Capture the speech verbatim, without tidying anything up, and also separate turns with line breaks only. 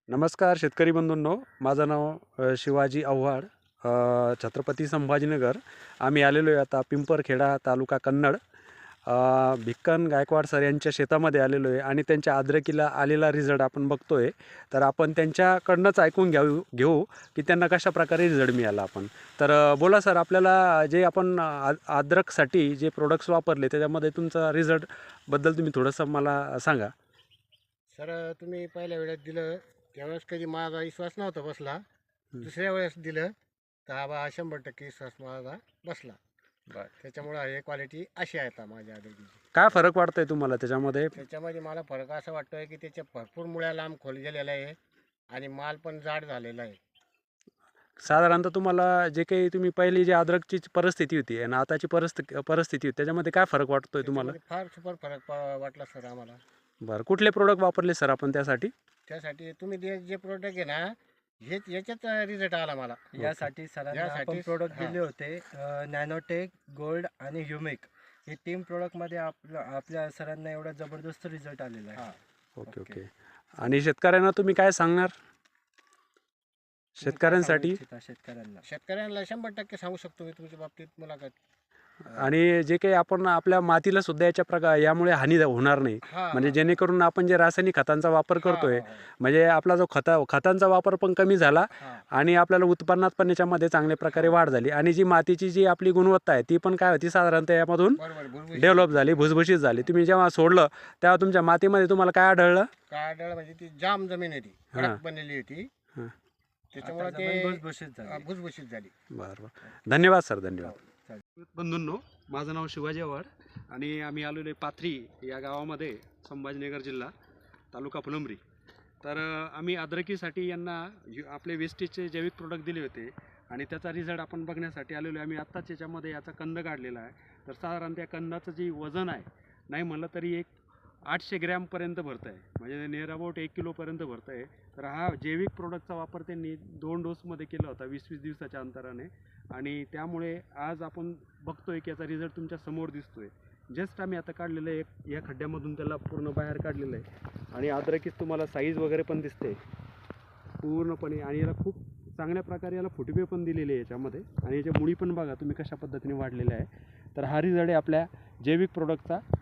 नमस्कार शेतकरी बंधूंनो, माझं नाव अ, शिवाजी आव्हाड, अ, छत्रपती संभाजीनगर. आम्ही आलेलो आहे आता पिंपरखेडा तालुका कन्नड. अ, भिक्कन गायकवाड सर यांच्या शेतामध्ये आलेलो आहे आणि त्यांच्या अद्रकीला आलेला रिझल्ट आपण बघतोय. तर आपण त्यांच्याकडनंच ऐकून घेऊ घेऊ की त्यांना कशा प्रकारे रिझल्ट मिळाला. आपण तर अ, बोला सर, आपल्याला जे आपण आ अद्रकसाठी जे प्रोडक्ट्स वापरले त्याच्यामध्ये तुमचा रिझल्ट बद्दल तुम्ही थोडंसं मला सांगा.
सर तुम्ही पहिल्या वेळेस दिलं त्यावेळेस कधी माझा विश्वास नव्हता बसला. दुसऱ्या वेळेस दिलं तर हा बा शंभर टक्के विश्वास माझा बसला.
बरं.
त्याच्यामुळं हे क्वालिटी अशी आहे आता माझ्या आरोग्याची.
काय फरक वाटतोय तुम्हाला त्याच्यामध्ये?
त्याच्यामध्ये मला फरक असा वाटतोय की त्याच्या भरपूर मुळ्या लांब खोल गेलेला आहे आणि माल पण जाड झालेला आहे.
साधारणतः तुम्हाला जे काही तुम्ही पहिली जी अद्रकची परिस्थिती होती आणि आताची परिस्थिती परिस्थिती होती त्याच्यामध्ये काय फरक वाटतोय तुम्हाला?
त्याच्यामध्ये फार सुपर फरक पा- वाटला सर आम्हाला.
बरं, कुठले प्रोडक्ट वापरले सर आपण त्यासाठी?
त्यासाठी तुम्ही जे जे प्रोडक्ट आहे ना, हेच याच्यात रिझल्ट आला मला.
यासाठी सरांना आपण
यासाठी-
प्रोडक्ट
हां.
दिले होते नॅनोटेक, गोल्ड आणि ह्युमिक. हे तीन प्रोडक्टमध्ये आपल्या आपल्या सरांना एवढा जबरदस्त रिझल्ट आलेला आहे.
हां.
Okay
okay.
ओके. आणि शेतकऱ्यांना तुम्ही काय सांगणार?
तुम्ही काय
शेतकऱ्यांसाठी
सांगू इच्छिता शेतकऱ्यांना?
शेतकऱ्यांना शंभर टक्के सांगू शकतो मी तुमच्या बाबतीत मुलाखत.
आणि जे काही आपण आपल्या मातीला सुद्धा याच्या प्रकार यामुळे हानी होणार नाही.
हां,
म्हणजे
हां.
जेणेकरून आपण जे रासायनिक खतांचा वापर करतोय,
हां, हां,
म्हणजे आपला जो खता खतांचा वापर पण कमी झाला
हां.
आणि आपल्याला उत्पन्नात पण याच्यामध्ये चांगल्या प्रकारे वाढ झाली आणि जी मातीची जी आपली गुणवत्ता आहे ती पण काय होती साधारणतः यामधून
बरोबर भुसभुशीत.
डेव्हलप झाली, भुसभुशीत झाली. तुम्ही जेव्हा सोडलं तेव्हा तुमच्या मातीमध्ये तुम्हाला काय आढळलं?
काळाडाळ म्हणजे ती जाम जमीन होती,
हां.
कडक बनलेली होती.
हां.
त्याच्यामुळे
आता
ते
जमीन भुसभुशीत झाली.
अं, भुसभुशीत झाली.
बरं बरं. धन्यवाद सर, धन्यवाद.
चालेल.
बंधूंनो, माझं नाव शिवाजी आव्हाड आणि आम्ही आलेलो आहे पाथरी या गावामध्ये, संभाजीनगर जिल्हा, तालुका फुलंब्री. तर अ, आम्ही अद्रकीसाठी यांना यु- आपले वेस्टेजचे जैविक प्रोडक्ट दिले होते आणि त्याचा रिझल्ट आपण बघण्यासाठी आलेलो आहे. आम्ही आत्ताच याच्यामध्ये याचा कंद काढलेला आहे. तर साधारण त्या कंदाचं जे वजन आहे, नाही म्हणलं तरी एक आठशे ग्रॅमपर्यंत भरतं आहे, म्हणजे नियर अबाउट एक किलोपर्यंत भरतं आहे. तर हा जैविक प्रोडक्टचा वापर त्यांनी दोन डोसमध्ये केला होता वीस वीस दिवसाच्या अंतराने आणि त्यामुळे आज आपण बघतोय की याचा रिझल्ट तुमच्या समोर दिसतोय. जस्ट आम्ही आता काढलेलं आहे, एक या खड्ड्यामधून त्याला पूर्ण बाहेर काढलेलं आहे आणि अद्रकीच तुम्हाला साईज वगैरे पण दिसते पूर्णपणे आणि याला खूप चांगल्या प्रकारे याला फुटवे पण दिलेले आहे याच्यामध्ये आणि याच्या मुळी पण बघा तुम्ही कशा पद्धतीने वाढलेल्या आहे. तर हा रिझल्ट आहे आपल्या जैविक प्रोडक्टचा.